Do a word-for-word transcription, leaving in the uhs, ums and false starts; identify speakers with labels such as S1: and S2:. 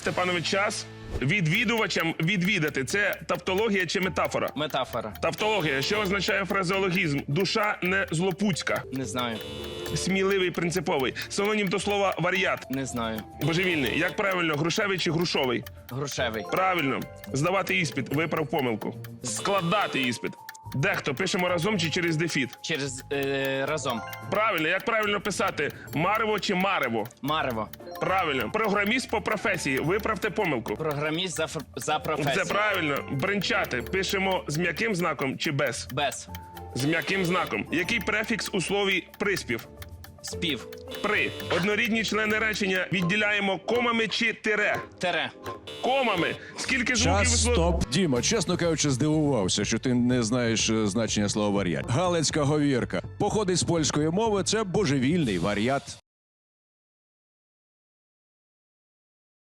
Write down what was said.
S1: Степанович, час. Відвідувачам відвідати. Це тавтологія чи метафора?
S2: Метафора.
S1: Тавтологія. Що означає фразеологізм? Душа не злопуцька.
S2: Не знаю.
S1: Сміливий, принциповий. Синонім до слова варіат.
S2: Не знаю.
S1: Божевільний. Як правильно, грушевий чи грушовий?
S2: Грушевий.
S1: Правильно. Здавати іспит. Виправ помилку. Складати іспит. Дехто пишемо разом чи через дефіт?
S2: Через е, разом.
S1: Правильно. Як правильно писати? Марево чи марево?
S2: Марево.
S1: Правильно. Програміст по професії. Виправте помилку.
S2: Програміст за, фр- за професією.
S1: Це правильно. Бренчати. Пишемо з м'яким знаком чи без?
S2: Без.
S1: З м'яким знаком. Який префікс у слові приспів?
S2: Спів.
S1: При. Однорідні члени речення відділяємо комами чи тире?
S2: Тере.
S1: Комами. Скільки звуків у
S3: Час,
S1: слові?
S3: стоп. Діма, чесно кажучи, здивувався, що ти не знаєш е, значення слова варіат. Галицька говірка. Походить з польської мови, це божевільний варіат.